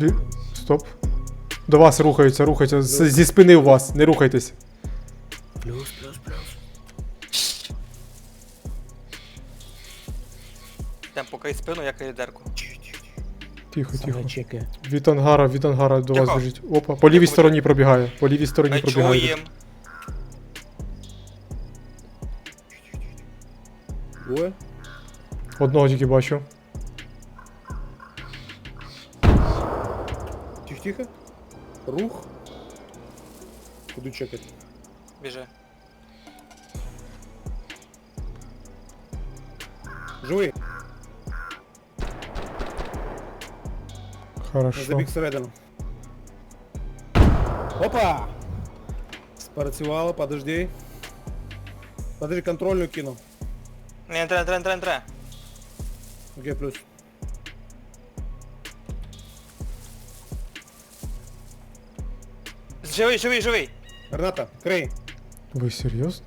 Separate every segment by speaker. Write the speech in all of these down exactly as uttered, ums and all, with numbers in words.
Speaker 1: Блін, стоп. До вас рухаються, рухаються. З- зі спини у вас, не рухайтесь.
Speaker 2: Плюс, плюс, плюс.
Speaker 3: Там покрий спину, як і дерку.
Speaker 1: Тихо, тихо.
Speaker 2: Саме чеки.
Speaker 1: Від ангара, від ангара до вас
Speaker 3: Тихо.
Speaker 1: біжить. Опа, по лівій
Speaker 3: Тихо,
Speaker 1: стороні пробігає. По лівій стороні
Speaker 3: Ми
Speaker 1: пробігає.
Speaker 3: чуєм.
Speaker 2: Двоє.
Speaker 1: Одного тільки бачу.
Speaker 2: Тихо-тихо. Рух. Буду чекати.
Speaker 3: Біжи.
Speaker 2: Живий.
Speaker 1: Хорошо.
Speaker 2: Забіг всередину. Опа! Спрацювало, подожди. Подожди, контрольну кину.
Speaker 3: Не, не треба, не треба, не треба, не треба.
Speaker 2: Окей, плюс.
Speaker 3: Живий, живий, живий.
Speaker 2: Граната, крей.
Speaker 1: Ви серйозно?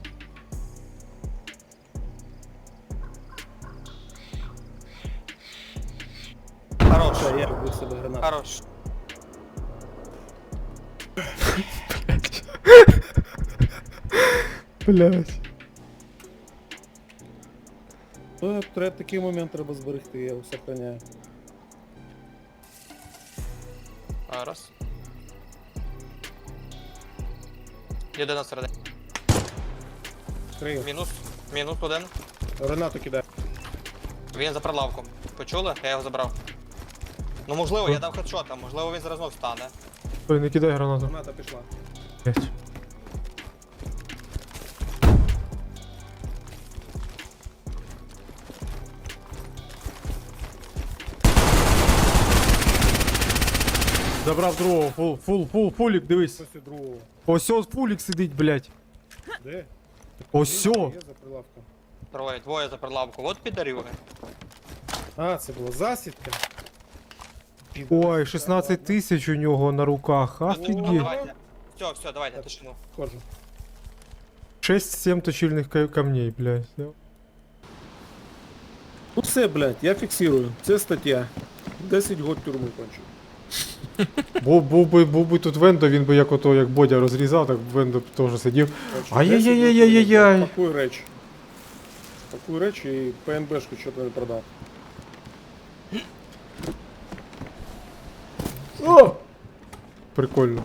Speaker 3: Хорош.
Speaker 2: Все, я вбив себе гранату.
Speaker 3: Хорош.
Speaker 1: Блять.
Speaker 2: Ну, треба такий момент треба зберегти, я його сохраняю.
Speaker 3: А, раз. Єдина середина.
Speaker 2: Крию.
Speaker 3: Мінус. Мінус один.
Speaker 2: Гранату кидаю.
Speaker 3: Він за прилавком. Почули? Я його забрав. Ну можливо, я дав хедшот, а можливо він зараз знов стане.
Speaker 1: Ой, не кидай гранату.
Speaker 2: Граната пішла.
Speaker 1: Блять. Забрав другого, фул, фул, фул, фулік, дивись.
Speaker 2: Після другого.
Speaker 1: Ось ось фулік сидить, блять.
Speaker 2: Де?
Speaker 1: Ось
Speaker 2: Є
Speaker 1: сьо.
Speaker 2: за прилавком.
Speaker 3: Троє, двоє за прилавку. От підарюги.
Speaker 2: А, це була засідка.
Speaker 1: Ой, шістнадцять тисяч у нього на руках.
Speaker 3: Ну,
Speaker 1: Офігеть.
Speaker 3: давайте. Все, все, давайте, тишину.
Speaker 2: Ходжу.
Speaker 1: шесть-сім точильних ка- камней, блять.
Speaker 2: Ну все, блядь, я фіксую. Це стаття. десять год тюрми кончу.
Speaker 1: Був, був, би, був би тут Вендо, він би як ото, як Бодя розрізав, так Вендо б теж сидів. Ай-яй-яй-яй-яй-яй.
Speaker 2: Пакуй речі. Пакуй речі і ПНБшку що то не продав.
Speaker 1: О! Прикольно.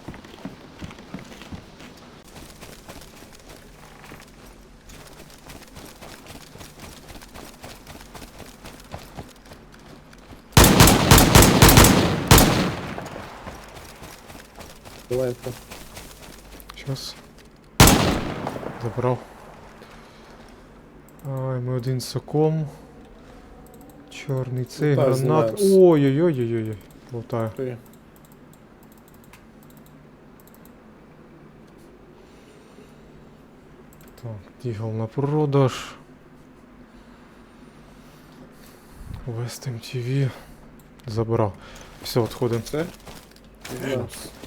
Speaker 2: Давай это.
Speaker 1: Щас. Забрав. Ай, ми один соком. Чорний цей,
Speaker 2: Лутаю,
Speaker 1: гранат.
Speaker 2: знімаюсь.
Speaker 1: Ой-ой-ой-ой-ой. Лутаю.
Speaker 2: Ты.
Speaker 1: Так, дігл на продаж. West ем ті ві. Забрав. Все, відходимо.
Speaker 2: Це? Да.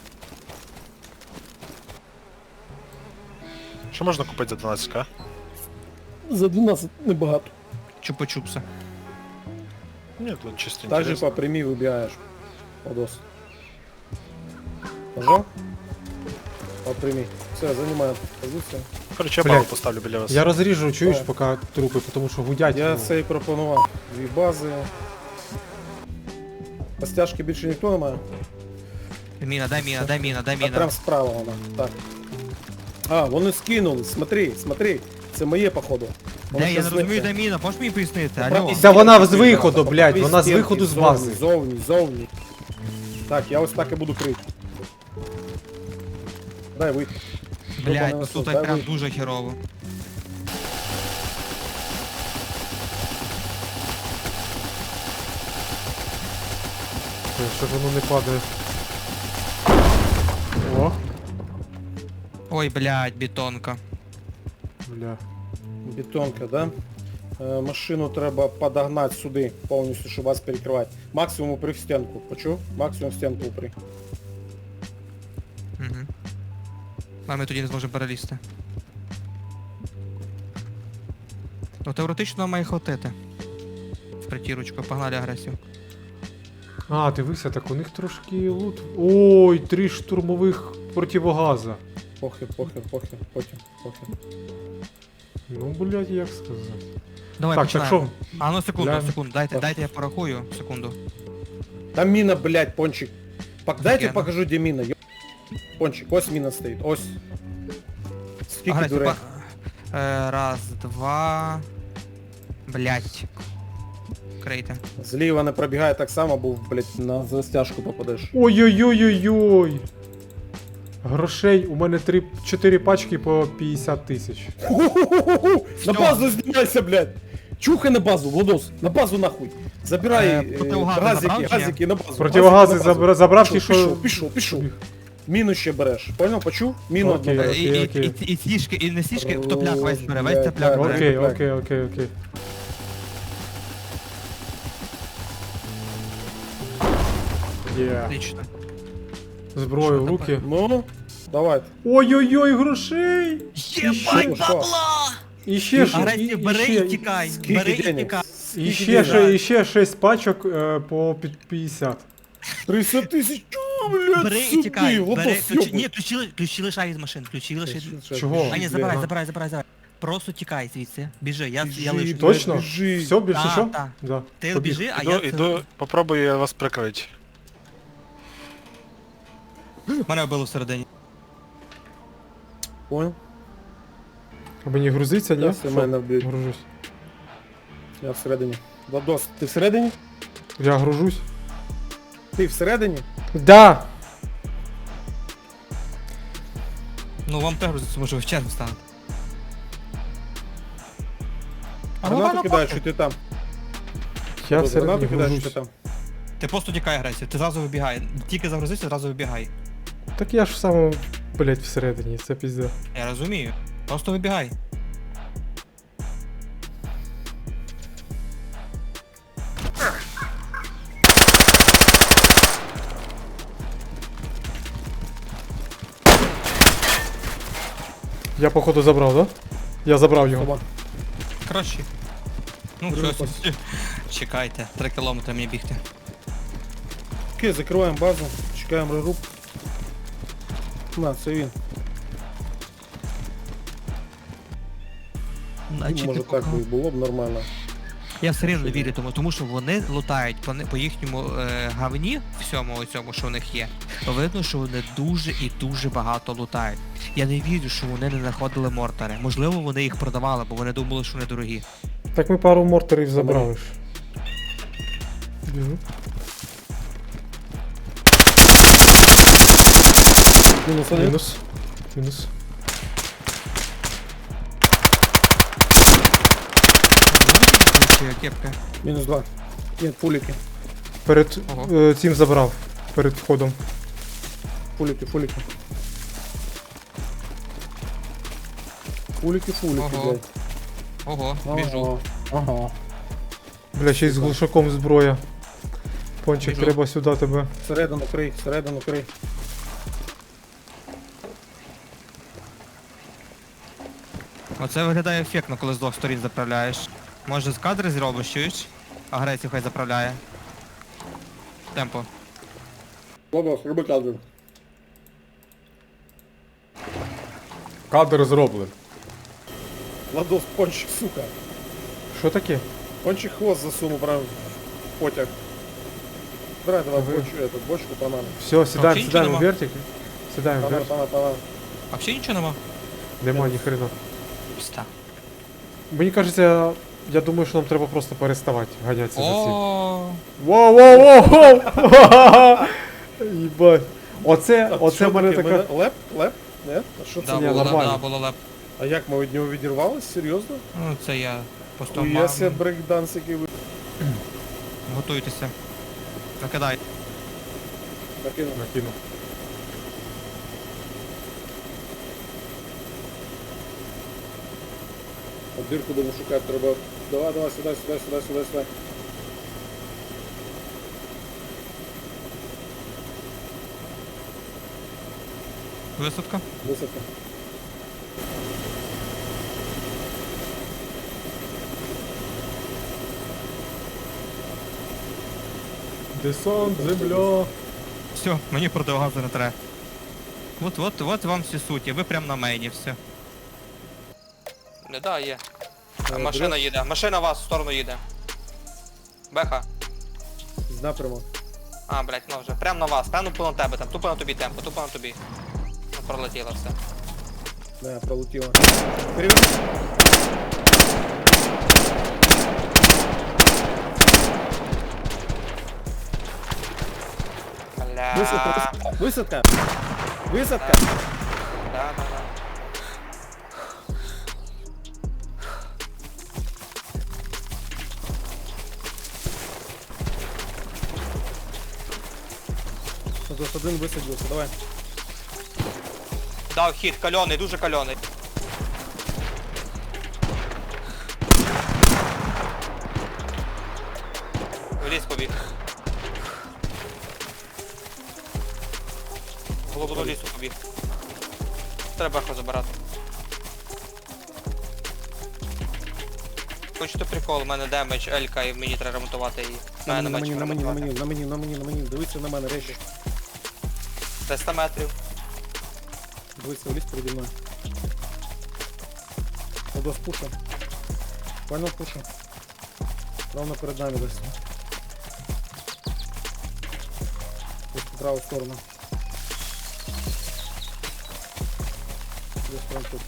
Speaker 4: Що можна купити за дванадцять к?
Speaker 2: За дванадцать небагато.
Speaker 5: Чупа-чупса.
Speaker 4: Ні, тут чисто
Speaker 2: Так же
Speaker 4: інтересно.
Speaker 2: по прямій вибігаєш. Подос. Нажав? По прямій. Все, займаю позицію.
Speaker 4: Короче, я
Speaker 1: Блядь.
Speaker 4: бабу поставлю біля вас.
Speaker 1: Я розріжу, чуєш,
Speaker 2: Так.
Speaker 1: поки трупи, тому що гудять.
Speaker 2: Я
Speaker 1: ну.
Speaker 2: це і пропонував. Дві бази. Постяжки більше ніхто не має?
Speaker 5: Міна, дай міна, дай міна, дай
Speaker 2: А
Speaker 5: міна.
Speaker 2: прям справа вона. Так. А, вони скинули. Смотри, смотри. Це моє, походу. Воно
Speaker 5: Де, я
Speaker 2: щас
Speaker 5: не розумію,
Speaker 2: зникне.
Speaker 5: де міна, можеш мені пояснити?
Speaker 2: Правда,
Speaker 5: Алло.
Speaker 1: Та вона з
Speaker 2: стінки
Speaker 1: виходу,
Speaker 2: зразу,
Speaker 1: блядь,
Speaker 2: по
Speaker 1: вона з
Speaker 2: стінки,
Speaker 1: виходу з
Speaker 2: зовні,
Speaker 1: бази.
Speaker 2: Зовні, зовні. Так, я ось так і буду крити. Дай вийти.
Speaker 5: Блядь, ну тут
Speaker 2: Дай
Speaker 5: прям
Speaker 2: вийти.
Speaker 5: дуже херово.
Speaker 1: Ой, що ж воно не падає. О,
Speaker 5: Ой, блядь, бетонка.
Speaker 1: бля.
Speaker 2: Бетонка, да? Е, машину треба подогнати сюди повністю, щоб вас перекривати. Максимум упри в стінку. Почув? Максимум в стінку упри.
Speaker 5: Угу. А ми тоді не зможемо перелізти. Ну теоретично має хватити. В притірочку, погнали агресію.
Speaker 1: А, дивися, так у них трошки лут. Ой, три штурмових противогаза.
Speaker 2: Похер, похер, похер, потім, похер.
Speaker 1: Ну, блядь, як сказати.
Speaker 5: Давай,
Speaker 1: Так, так
Speaker 5: починаємо.
Speaker 1: що?
Speaker 5: А ну секунду,
Speaker 1: Глянь.
Speaker 5: секунду, дайте,
Speaker 2: Так.
Speaker 5: дайте я порахую, секунду.
Speaker 2: Там міна, блядь, пончик. Пок- Дайте
Speaker 5: Офігенно.
Speaker 2: покажу, де міна. Йо- Пончик, ось міна стоїть, ось. Скільки
Speaker 5: Агресія,
Speaker 2: дурей?
Speaker 5: па- Е, раз, два... Блять. Крейте.
Speaker 2: Зліва не пробігає так само, був, блядь, на застяжку попадеш.
Speaker 1: Ой-ой-ой-ой-ой. Грошей, у мене три, чотири пачки по п'ятдесят тисяч.
Speaker 2: Ху-ху-ху-ху! На базу знімайся, блядь! Чухай на базу, Владос, на базу нахуй. Забирай
Speaker 5: Е,
Speaker 2: е,
Speaker 5: противогази
Speaker 2: газики,
Speaker 5: забрав чи ні?
Speaker 2: газики на базу.
Speaker 1: Противогази
Speaker 2: газики на базу.
Speaker 1: забра- забрав ті,
Speaker 2: Пішов,
Speaker 1: що...
Speaker 2: Пішов, пішов, пішов. Міну ще береш, понял, почув? Міну одну
Speaker 1: Окей.
Speaker 2: береш.
Speaker 5: Е, І, і,
Speaker 1: окей.
Speaker 5: і, і, сішки, і не сішки, топляк весь бере, весь
Speaker 2: Блядь,
Speaker 5: топляк
Speaker 2: так.
Speaker 5: бере.
Speaker 1: Окей,
Speaker 2: так.
Speaker 1: окей, окей, окей. Є.
Speaker 5: Отлично.
Speaker 1: Зброю в
Speaker 5: Що
Speaker 1: руки.
Speaker 2: Ну, давайте.
Speaker 1: Ой-ой-ой, грошей!
Speaker 2: Єбать, бабла!
Speaker 1: І ще ж, і,
Speaker 5: Агресію
Speaker 1: і
Speaker 5: бери
Speaker 1: ще,
Speaker 5: і тікай,
Speaker 2: Скільки
Speaker 5: бери і
Speaker 2: денег?
Speaker 5: тікай.
Speaker 1: і
Speaker 2: Скільки
Speaker 1: ще,
Speaker 2: денег?
Speaker 1: ще, і ще шість пачок е, по під п'ятдесят.
Speaker 2: триста тисяч, чого, блядь,
Speaker 5: Бери і
Speaker 2: сюди,
Speaker 5: тікай,
Speaker 2: Владос,
Speaker 5: бери, ключі,
Speaker 2: йобуй.
Speaker 5: ні, ключі, ли- ключі лишай із машин, ключі лишай.
Speaker 1: Чого?
Speaker 5: А ні,
Speaker 1: Блін,
Speaker 5: забирай,
Speaker 1: а.
Speaker 5: забирай, забирай, забирай. Просто тікай звідси, біжи, я,
Speaker 2: Біжи,
Speaker 5: я лишу.
Speaker 2: блядь,
Speaker 1: Точно?
Speaker 2: біжи.
Speaker 1: Все, більше
Speaker 5: Так,
Speaker 1: що?
Speaker 5: так.
Speaker 1: Да.
Speaker 5: Ти
Speaker 1: Побіг.
Speaker 5: біжи, а
Speaker 4: Іду,
Speaker 5: я...
Speaker 4: іду, попробую я вас прикрити.
Speaker 5: Мене вбило всередині.
Speaker 2: Понял?
Speaker 1: А мені грузиться, ні?
Speaker 2: Зараз
Speaker 1: Що?
Speaker 2: мене вб'ють.
Speaker 1: Гружусь.
Speaker 2: Я всередині. Владос, ти всередині?
Speaker 1: Я гружусь.
Speaker 2: Ти всередині?
Speaker 1: Да!
Speaker 5: Ну вам теж грузиться, може ви в чергу станете. А
Speaker 2: Гранату
Speaker 5: головне,
Speaker 2: кидаєш,
Speaker 5: похуй.
Speaker 2: що ти там?
Speaker 1: Я
Speaker 2: Владос,
Speaker 1: всередині
Speaker 2: Гранату кидаєш, що ти
Speaker 1: гружусь.
Speaker 2: там?
Speaker 5: Ти просто тікай агресію, ти зразу вибігай. Тільки загрузився, зразу вибігай.
Speaker 1: Так я ж в самому, блять, всередині, це пізде.
Speaker 5: Я розумію. Просто вибігай.
Speaker 1: Я походу забрав, да? Я забрав його.
Speaker 2: Соба.
Speaker 5: Краще. Ну,
Speaker 2: Друге
Speaker 5: щось. Чекайте, три кілометри мені бігти.
Speaker 2: Окей, закриваємо базу, чекаємо реруб. На, це він.
Speaker 5: Значить,
Speaker 2: Може
Speaker 5: ти
Speaker 2: так
Speaker 5: пока-
Speaker 2: би і було б нормально.
Speaker 5: Я все рівно вірю тому, тому що вони лутають по, не- по їхньому е, гавні, всьому цьому, що в них є. Видно, що вони дуже і дуже багато лутають. Я не вірю, що вони не знаходили мортари. Можливо, вони їх продавали, бо вони думали, що вони дорогі.
Speaker 1: Так ми пару мортерів забрали ж. Біжу.
Speaker 2: Мінус один.
Speaker 1: Мінус. Мінус.
Speaker 5: Кепка.
Speaker 2: Мінус два. Ні, пуліки.
Speaker 1: Перед
Speaker 5: Ого.
Speaker 1: е, цим забрав. Перед входом.
Speaker 2: Фулики, фулики. Фулики, фулики,
Speaker 5: Ого.
Speaker 2: блядь.
Speaker 5: Ого, біжу.
Speaker 2: Ага. Ага.
Speaker 1: Бля, ще й з глушаком зброя. Пончик,
Speaker 5: Біжу.
Speaker 1: треба сюди тебе.
Speaker 2: Всередину крий, всередину крий.
Speaker 5: Оце виглядає ефектно, коли з двох сторін заправляєш. Може з кадри зробиш, чуєш? Агресію хай заправляє. Темпо.
Speaker 2: Бабос, роби кадр.
Speaker 1: Кадр зроблений.
Speaker 2: Ладос, пончик, сука.
Speaker 1: Що таке?
Speaker 2: Пончик хвост засунул прям в потяг. Брать давай
Speaker 1: Ага.
Speaker 2: бочку, эту, бочку банана.
Speaker 1: Все, сідаємо,
Speaker 5: Вообще
Speaker 1: сідаємо в
Speaker 5: нічого
Speaker 1: вертик. Сідаємо в
Speaker 2: Банан,
Speaker 1: вертик.
Speaker 2: банан, банан.
Speaker 5: А взагалі нічого нема?
Speaker 1: Нема ні хрена.
Speaker 5: Пста.
Speaker 1: Мені кажеться, я думаю, що нам треба просто переставати ганятися за цим.
Speaker 5: О,
Speaker 1: Воу, воу, воу, воу! Їбать. Оце,
Speaker 2: Так,
Speaker 1: оце
Speaker 2: що
Speaker 1: в мене
Speaker 2: таке?
Speaker 1: така...
Speaker 2: Мене- Леп? Леп? Не? А що це?
Speaker 5: да,
Speaker 1: Ні,
Speaker 5: було,
Speaker 1: нормально.
Speaker 5: да, було леп.
Speaker 2: А як ми від нього відірвались? Серйозно?
Speaker 5: Ну, це я просто
Speaker 2: Я
Speaker 5: мав.
Speaker 2: себе брейкдансики ви...
Speaker 5: Готуйтеся. Накидай.
Speaker 2: накинув.
Speaker 1: Накину.
Speaker 2: А дирку будемо шукати, треба... Давай, давай, сюди, сюди, сюди, сюди, сюди.
Speaker 5: Висадка.
Speaker 2: Висадка.
Speaker 1: Десант, земля.
Speaker 5: Все, мені противогазу не треба. От, от, от вам всі суть, ви прям на мейні, все.
Speaker 3: Не, да, є.
Speaker 2: Е,
Speaker 3: Машина
Speaker 2: дрес
Speaker 3: їде, машина вас в сторону їде. Беха.
Speaker 2: з напряму.
Speaker 3: А, блядь, ну вже. Прям на вас, прям тупо на тебе там, тупо на тобі темпо, тупо на тобі. Ну, пролетіло все.
Speaker 2: Да, пролетіло. Переверни.
Speaker 3: Бля.
Speaker 2: Висадка, висадка. Висадка.
Speaker 3: Да, да, да.
Speaker 2: Ось один висадився, давай.
Speaker 3: Дав хід, кальоний, дуже кальоний. В ліс побіг. В глибину лісу побіг. Треба беху забирати. Хочете прикол, у мене демедж, Елька і мені треба ремонтувати її.
Speaker 2: На
Speaker 3: Мене
Speaker 2: мені, на мені, на мені,
Speaker 3: ремонтувати.
Speaker 2: на мені, на мені, на мені, на мені. Дивися на мене, речі.
Speaker 3: триста метрів.
Speaker 2: Дивися в ліс переді мною. Одос пуша. Понял, пуша. Ровно перед нами десь. Десь в праву сторону. Десь прям тут.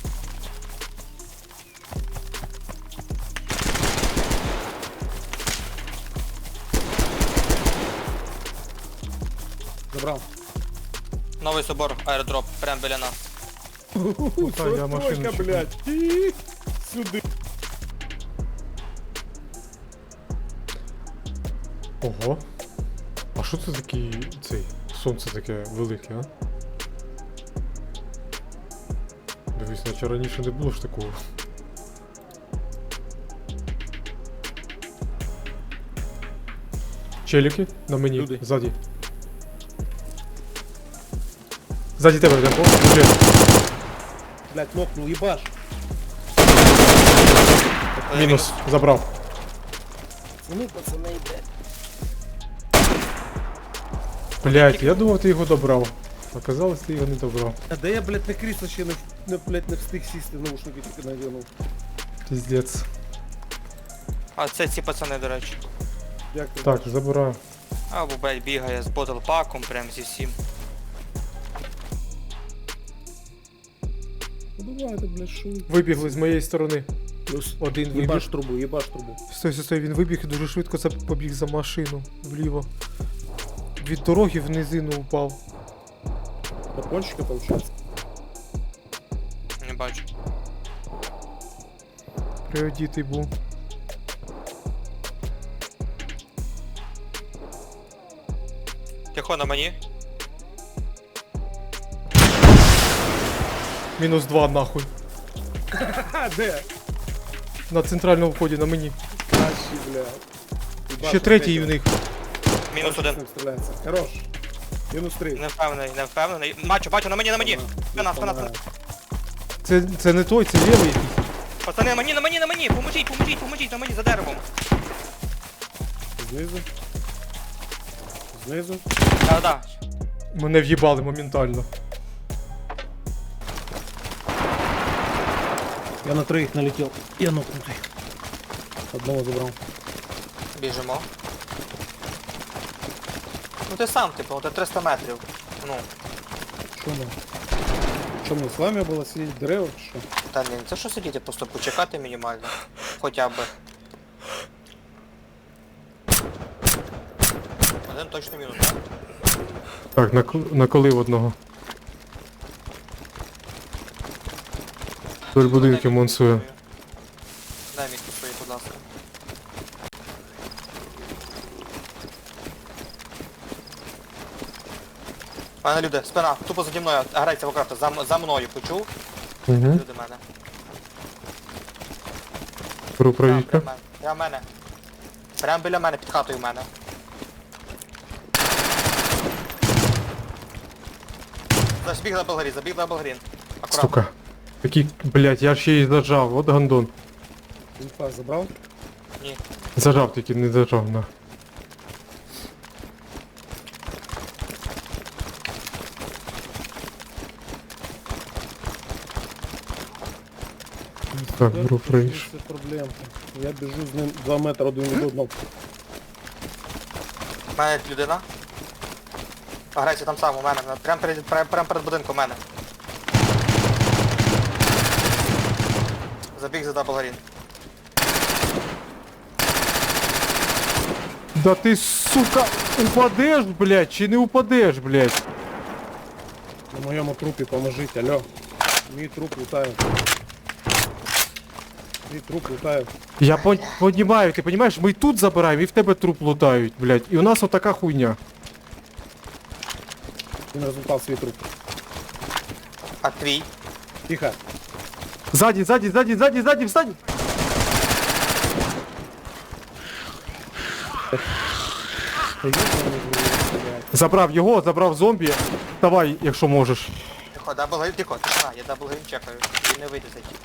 Speaker 2: Забрав.
Speaker 3: Новий собор, аеродроп, прямо біля нас.
Speaker 1: та, я машину
Speaker 2: Сорок,
Speaker 1: чекаю.
Speaker 2: блядь. І сюди.
Speaker 1: Ого. А що це такий цей сонце таке велике, а? Дивись, наче раніше не було ж такого. Челіки на мені,
Speaker 2: Люди.
Speaker 1: ззаді. Ззаді тебе, Демко.
Speaker 2: Блядь, нокнул, ебаш.
Speaker 1: Мінус, забрав.
Speaker 2: Ну, пацани, блядь.
Speaker 1: Блять, я думав, ти його добрав. Оказалось, ти його не добрав.
Speaker 2: А де я, блядь, на крісло ще не, не, блядь, не встиг сісти, наушники тільки надягнув.
Speaker 1: Піздець.
Speaker 3: А це ці пацани, до речі.
Speaker 2: Дякую.
Speaker 1: Так, забираю.
Speaker 3: Або, блядь, бігає з ботлпаком, прям зі всім.
Speaker 2: Ну давайте, блядь, шо.
Speaker 1: Вибігли з моєї сторони.
Speaker 2: Плюс
Speaker 1: Один вибіг.
Speaker 2: Єбаш трубу, єбаш трубу.
Speaker 1: Стой, стой, стой, він вибіг і дуже швидко за- побіг за машину вліво. Від дороги в низину упав.
Speaker 2: До пончика, получается.
Speaker 3: Не бачу.
Speaker 1: Приодітий був.
Speaker 3: Тихо на мені.
Speaker 1: Мінус два нахуй.
Speaker 2: А, де?
Speaker 1: На центральному вході на мені.
Speaker 2: Кращий, блядь. Єбаш,
Speaker 1: Ще третій
Speaker 2: третього.
Speaker 1: в них.
Speaker 3: Мінус
Speaker 2: Перший
Speaker 3: один.
Speaker 2: з ним стріляється. Хорош. Мінус три.
Speaker 3: Не впевнений, не впевнений. Бачу, бачу, на мені, на мені. Спина, спина, спина.
Speaker 1: Це, це не той, це лівий якийсь.
Speaker 3: Пацани, на мені, на мені, на мені. Поможіть, поможіть, поможіть, на мені за деревом.
Speaker 2: Знизу. Знизу.
Speaker 3: Да, да.
Speaker 1: Мене в'їбали моментально.
Speaker 2: Я на троих налетел. Я нокнутый. Одного забрал.
Speaker 3: Біжимо. Ну ти сам, типу, ти триста метрів. Ну,
Speaker 2: Что мы? Что мне с вами было сидеть в деревах? Что?
Speaker 3: та ні, це що сидіти, просто почекати мінімально. Хоча б. Один точно мінус, так?
Speaker 1: Так, накол- наколив одного. Вдоль будинків монсує.
Speaker 3: Дай мітку свої, будь ласка. Пане люди, спина, тупо заді мною, грається в окрафта, за, м- за мною, почув?
Speaker 1: Угу.
Speaker 3: Люди мене.
Speaker 1: Беру
Speaker 3: Прям,
Speaker 1: правіка.
Speaker 3: прям мене. Прям мене. Прям біля мене, під хатою в мене. Забіг на Белгрін, забіг на Белгрін. Аккуратно.
Speaker 1: Сука. Який, блять, я ще й зажав, от гандон.
Speaker 2: Инфа забрал?
Speaker 3: Ні.
Speaker 1: Зажав, тільки не зажав, на. Так, беру фрейш.
Speaker 2: Це проблемка. Я біжу з ним два метри один від одного.
Speaker 3: У мене людина. Агресія там сам у мене. на- Прям перед, прям, прям перед будинком у мене. Забіг за даблгрін.
Speaker 1: Да ти, сука, упадеш, блядь, чи не упадеш, блядь?
Speaker 2: На моєму трупі поможіть, алло. Мій труп лутає. Мій труп лутає.
Speaker 1: Я пон- понімаю, ти понімаєш, ми і тут забираємо, і в тебе труп лутають, блядь. І у нас отака хуйня.
Speaker 2: Він результат свій труп.
Speaker 3: А твій?
Speaker 2: Тихо.
Speaker 1: Ззаді, ззаді, ззаді, ззаді, ззаді, встань! Забрав його, забрав зомбі. Давай, якщо можеш.
Speaker 3: Тихо, даблгрін, тихо, тишина, я даблгрін чекаю. Він не вийде зайти.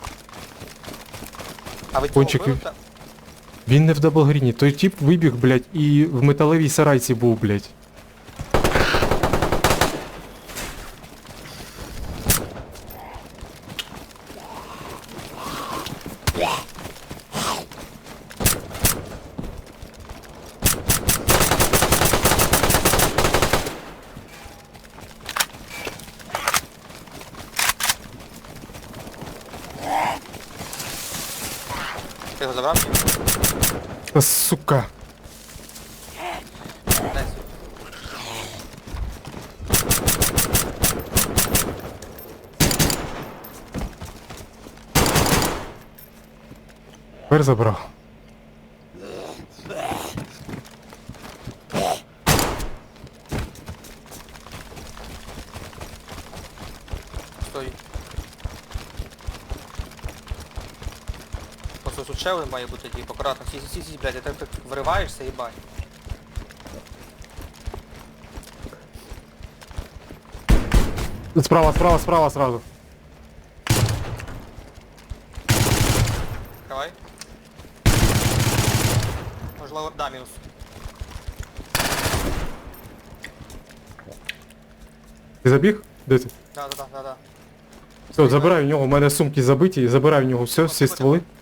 Speaker 3: А ви цього
Speaker 1: Кончик,
Speaker 3: вбили? Та-
Speaker 1: Він не в даблгріні, той тип вибіг, блядь, і в металевій сарайці був, блядь.
Speaker 3: Ти його забрав?
Speaker 1: Та, сука.
Speaker 3: Десь.
Speaker 1: Тепер забрав.
Speaker 3: Стой. Просто тут ще один має бути, типу, акуратно. Сі, сі, сі, блядь, ти так так вириваєшся, їбать.
Speaker 1: Справа, справа, справа сразу.
Speaker 3: Давай. Можливо, да, мінус.
Speaker 1: Ти забіг? Де ти?
Speaker 3: Да, да, да, да, да.
Speaker 1: Все, забирай у нього, у мене сумки забиті, забирай у нього все, всі стволи.